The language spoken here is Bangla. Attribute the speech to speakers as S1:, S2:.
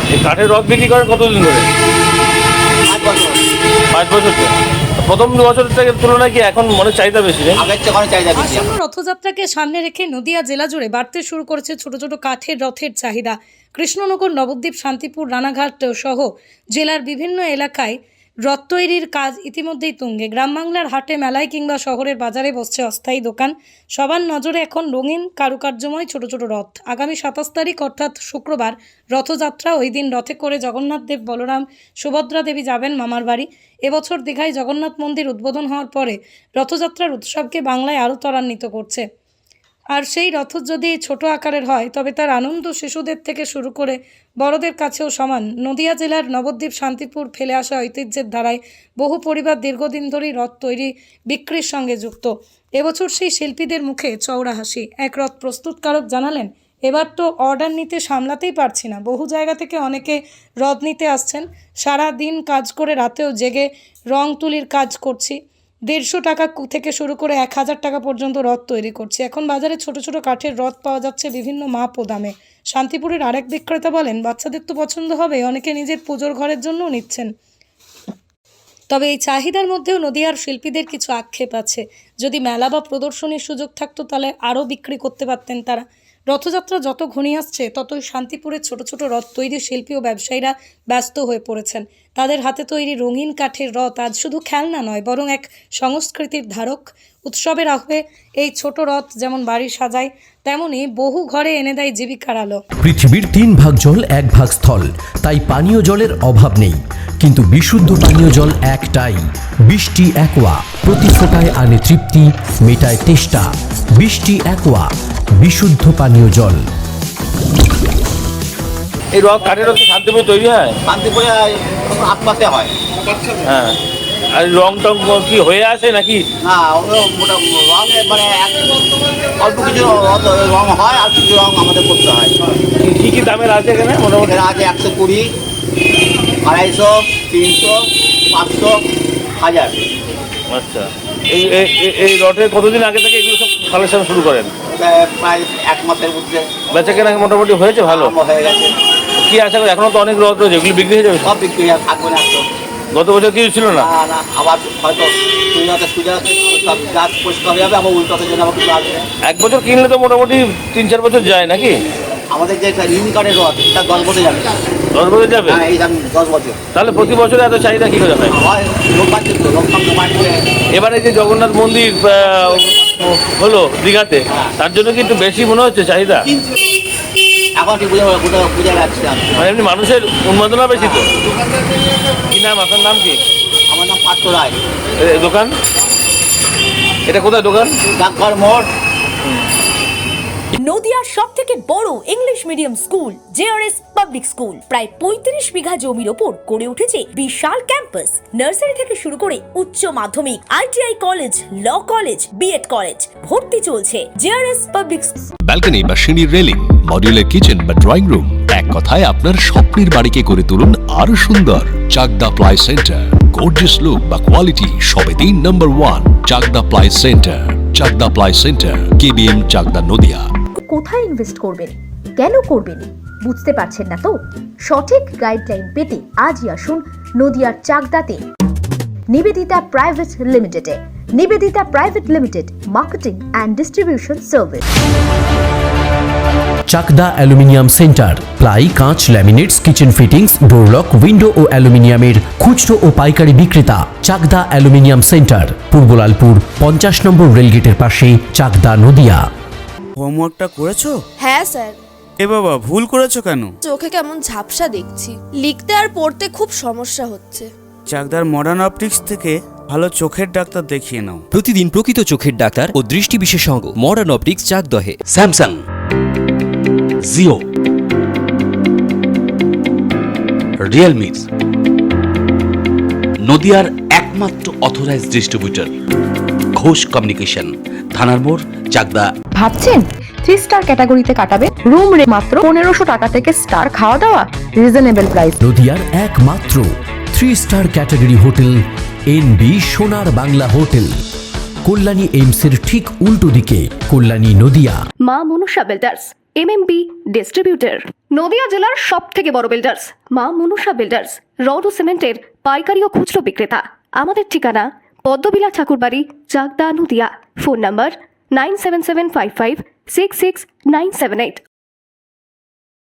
S1: এই কাঠের রথ বিক্রি করেন কতদিন ধরে?
S2: 5 বছর।
S1: 5 বছর ধরে। প্রথম 2 বছরের থেকে তুলনায় কি এখন মনে চাহিদা বেশি নেই?
S2: আগের চেয়ে অনেক চাহিদা বেশি।
S3: আসন্ন রথযাত্রাকে সামনে রেখে নদিয়া জেলা জুড়ে বাড়তে শুরু করেছে ছোট ছোট কাঠের রথের চাহিদা। কৃষ্ণনগর, নবদ্বীপ, শান্তিপুর, রানাঘাট সহ জেলার বিভিন্ন এলাকায় রথ তৈরির কাজ ইতিমধ্যেই তুঙ্গে। গ্রাম বাংলার হাটে, মেলায় কিংবা শহরের বাজারে বসছে অস্থায়ী দোকান। সবার নজরে এখন রঙিন কারুকার্যময় ছোট ছোট রথ। আগামী 27 তারিখ অর্থাৎ শুক্রবার রথযাত্রা। ওই দিন রথে করে জগন্নাথ দেব, বলরাম, সুভদ্রা দেবী যাবেন মামার বাড়ি। এবছর দীঘায় জগন্নাথ মন্দির উদ্বোধন হওয়ার পরে রথযাত্রার উৎসবকে বাংলায় আরও ত্বরান্বিত করছে। আর সেই রথ যদি ছোট আকারের হয় তবে তার আনন্দ শিশুদের থেকে শুরু করে বড়দের কাছেও সমান। নদিয়া জেলার নবদ্বীপ, শান্তিপুর ফেলে আসা ঐতিহ্যের ধারায় বহু পরিবার দীর্ঘদিন ধরেই রথ তৈরি বিক্রির সঙ্গে যুক্ত। এবছর সেই শিল্পীদের মুখে চওড়া হাসি। এক রথ প্রস্তুতকারক জানালেন, এবার তো অর্ডার নিতে সামলাতেই পারছি না। বহু জায়গা থেকে অনেকে রথ নিতে আসছেন। সারা দিন কাজ করে রাতেও জেগে রং তুলির কাজ করছি। 150 টাকা থেকে শুরু করে 1000 টাকা পর্যন্ত রথ তৈরি করছি। এখন বাজারে ছোট ছোট কাঠের রথ পাওয়া যাচ্ছে বিভিন্ন মাপ ও দামে। শান্তিপুরের আরেক বিক্রেতা বলেন, বাচ্চাদের তো পছন্দ হবে, অনেকে নিজের পুজোর ঘরের জন্যও নিচ্ছেন। তবে এই চাহিদার মধ্যেও নদিয়ার শিল্পীদের কিছু আক্ষেপ আছে। যদি মেলা বা প্রদর্শনীর সুযোগ থাকতো তাহলে আরও বিক্রি করতে পারতেন তারা। রথযাত্রা যত ঘনিয়ে আসছে ততই শান্তিপুরের ছোট ছোট রথ তৈরি শিল্পী ও ব্যবসায়ীরা ব্যস্ত হয়ে পড়েছেন। তাদের হাতে তৈরি রঙিন কাঠের রথ আজ শুধু খেলনা নয়, বরং এক সংস্কৃতির ধারক। উৎসবের আহ্বে এই ছোট রথ যেমন বাড়ি সাজায়, তেমনি বহু ঘরে এনে দেয় জীবিকার আলো।
S4: পৃথিবীর 3 ভাগ জল 1 ভাগ স্থল, তাই পানীয় জলের অভাব নেই। কিন্তু বিশুদ্ধ পানীয় জল একটাই, বৃষ্টি অ্যাকোয়া। প্রতি ফোঁটায় আনে তৃপ্তি, মেটায় তেষ্টা। বৃষ্টি অ্যাকোয়া, বিশুদ্ধ পানীয় জল।
S1: এই রথ কাঠের রথ কি শান্তিপুরে তৈরি হয়?
S2: শান্তিপুরে আশপাশে হয়।
S1: হ্যাঁ। আর রং টং কি হয়ে আসে নাকি?
S2: না, ওগুলো রঙ মানে অল্প কিছু রঙ হয় আর কিছু রঙ আমাদের করতে হয়।
S1: কি কি দামের আছে এখানে মোটামুটি?
S2: এখানে আছে 120, 250, 300, 500, 1000।
S1: আচ্ছা। এই এই রথের কতদিন আগে থেকে এগুলো সব কালেকশন শুরু করেন?
S2: প্রায় 1 মাসের মধ্যে
S1: বেচা কেনা মোটামুটি হয়েছে ভালো?
S2: হয়ে গেছে।
S1: কি আশা করি এখনো তো অনেক রথ রয়েছে, এগুলো বিক্রি হয়ে যাবে?
S2: সব বিক্রি থাকবে না একদম।
S1: গত বছর কিছু ছিল না?
S2: না, আবার হয়তো সুবিধা সব গাছ পরিষ্কার হয়ে যাবে, আবার উল্টোতে জন্য আবার কিছু আসবে।
S1: 1 বছর কিনলে তো মোটামুটি 3-4 বছর যায় নাকি?
S2: আমাদের যে ইউনি কার্ডের রথ, এটা 10 বছর যাবে।
S1: 10 বছর যাবে?
S2: হ্যাঁ, এই দাম 10 বছর।
S1: তাহলে প্রতি বছরে এত চাহিদা কি করে হয়?
S2: হয় লোক পাচ্ছে তো, লোক সব জমাট করে।
S1: এবারে যে জগন্নাথ মন্দির হলো দীঘাতে, তার জন্য কি একটু বেশি মনে হচ্ছে চাহিদা?
S2: এখন ঠিক বুঝে যাচ্ছে না।
S1: মানে এমনি মানুষের উন্মাদনা বেশি তো। কি নাম, আপনার নাম কি?
S2: আমার নাম পার্থ রায়।
S1: দোকান এটা কোথায় দোকান?
S2: ডাকঘর মোড়।
S5: নদিয়ার সব থেকে বড় English medium school JRS public school প্রায় 35 বিঘা জমির ওপর গড়ে উঠেছে বিশাল ক্যাম্পাস। নার্সারি থেকে শুরু করে উচ্চ মাধ্যমিক, ITI college, law college, BEd college, ভর্তি চলছে জেআরএস পাবলিক।
S6: ব্যালকনি বা সিঁড়ির রেলিং, মডিউলার কিচেন বা ড্রয়িং রুম, এক কথায় আপনার স্বপ্নের বাড়িকে করে তুলুন আরো সুন্দর। Chakdah ply centre, gorgeous look বা কোয়ালিটি সবে 3 number 1 Chakdah ply centre. Chakdah ply centre, KBM, Chakdah, Nadia.
S7: কোথায় ইনভেস্ট করবেন, কেন করবেন, বুঝতে পারছেন না তো? সঠিক গাইডলাইন পেতে আজই আসুন নদিয়ার চাকদাতে নিবেদিতা প্রাইভেট লিমিটেডে। Nivedita private limited, marketing and distribution service.
S4: Chakdah aluminium centre, ply, কাঁচ, laminates, kitchen fittings, door lock, window ও অ্যালুমিনিয়ামের খুচরো ও পাইকারি বিক্রেতা। চাকদা অ্যালুমিনিয়াম সেন্টার, পূর্ব লালপুর 50 নম্বর রেলগেটের পাশে, চাকদা, নদিয়া।
S8: হোমওয়ার্কটা করেছো?
S9: হ্যাঁ স্যার।
S8: এ বাবা, ভুল করেছো কেন?
S9: চোখে কেমন ঝাপসা দেখছি, লিখতে আর পড়তে খুব সমস্যা হচ্ছে।
S8: চাকদার মডার্ন অপটিক্স থেকে ভালো চোখের ডাক্তার দেখিয়ে নাও।
S10: প্রতিদিন প্রকৃত চোখের ডাক্তার ও দৃষ্টি বিশেষজ্ঞ মডার্ন অপটিক্স, চাকদহে।
S11: স্যামসাং, জিও, রিয়েলমি, নদিয়ার একমাত্র অথরাইজড ডিস্ট্রিবিউটর ঘোষ কমিউনিকেশন, থানার মোড়, চাকদা।
S7: ভাবছেন 3 স্টার ক্যাটাগরিতে কাটাবে? রুম রে মাত্র 1500 টাকা থেকে স্টার, খাওয়া দাওয়া রিজনেবল প্রাইস।
S4: নদিয়ার একমাত্র 3 স্টার ক্যাটাগরি হোটেল এনবি সোনার বাংলা হোটেল, কল্যাণী এইমসের ঠিক উল্টো দিকে, Kalyani, Nadia.
S7: Maa Manasa builders,
S12: MMB distributor, Nadia জেলার সব থেকে বড় বিল্ডার্স মা মনুষা বিল্ডার্স, রড ও সিমেন্টের পাইকারি ও খুচরো বিক্রেতা। আমাদের ঠিকানা পদ্মবিলা ঠাকুরবাড়ি, চাকদা, নদিয়া। Phone number 9775566978।